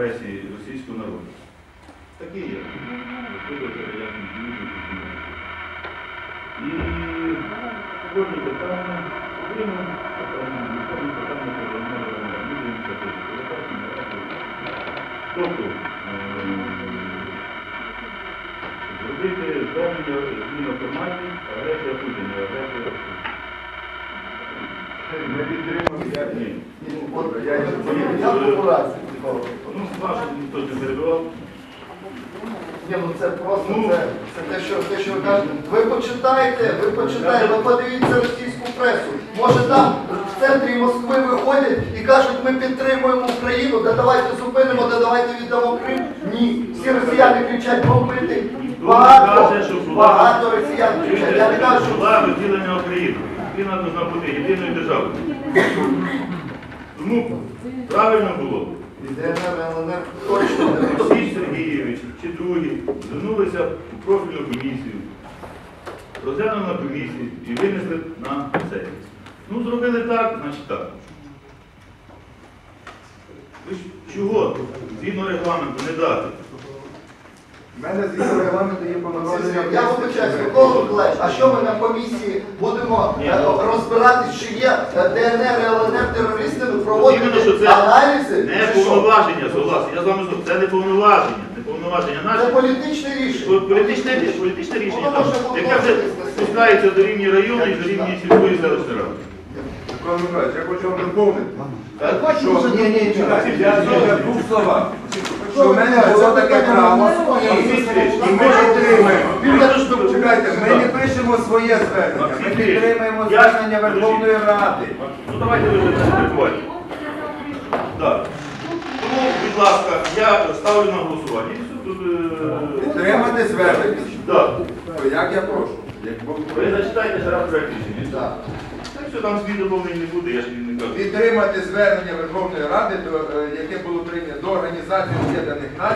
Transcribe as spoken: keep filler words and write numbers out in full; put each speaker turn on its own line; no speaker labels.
агресії російського народу. Такі є. І кожне питання, окремо питання, кожне питання про ініціативу. Тобто, зробити звернення зміну форматі, агресія Путіна, агресія Росії.
Ми підтримуємо.
Ні.
Я популярний.
Ну, ваше ніхто не перебивав.
Ні, ну це просто, це, це те, що, те, що ви кажете. Ви почитайте, ви почитайте, ви подивіться російську пресу. Може там в центрі Москви виходять і кажуть, ми підтримуємо Україну, да давайте зупинимо, да давайте віддамо Крим. Ні, всі росіяни кричать бомбити. Багато, багато росіян кричать. Я не кажу, що...
Була розділення України. Україна повинна бути єдиною державою. Тому правильно було.
ДНР, ЛНР точно не
Олексій Сергійович чи другі звернулися у профільну комісію, розглянули на комісії і винесли на сесію. Ну, зробили так, значить так. Ви ж чого згідно регламенту не дати?
У мене згідно регламенту є повноваження.
Я вибачаюсь, Микола Миколаївич, а що ми на комісії будемо е, розбиратись, чи є е, ДНР, ЛНР терористами,
Іменно, що
проводити
це
аналізи?
Не
чи що?
повноваження, согласен. Я з вами згоден. Це не повноваження. Не повноваження
Це
наше.
політичне рішення.
Політичне, політичне рішення,
Воно
там,
може бути
яке вже
вноситись.
спускається до рівня району і до рівня сільської селищної ради.
Микола Миколаївич, я хочу вам доповнити.
Що?
Ні, ні, чекайте, я я в двох словах. Що в мене було таке право, і, і ми підтримуємо. Чекайте, ми не пишемо своє звернення, ми підтримуємо звернення Верховної Ради.
Ну давайте ви вже не перебувайте. Так. Тому, будь ласка, я ставлю на голосування. І все тут, е,
Підтримати звернення.
Так.
То як я прошу? Як Бог
Ви зачитайте ще раз проект рішення.
Так.
Так що там змін доповнень не буде, я ж не кажу.
Підтримати звернення Верховної Ради, до, е, яке було прийнято до Організації Об'єднаних Націй.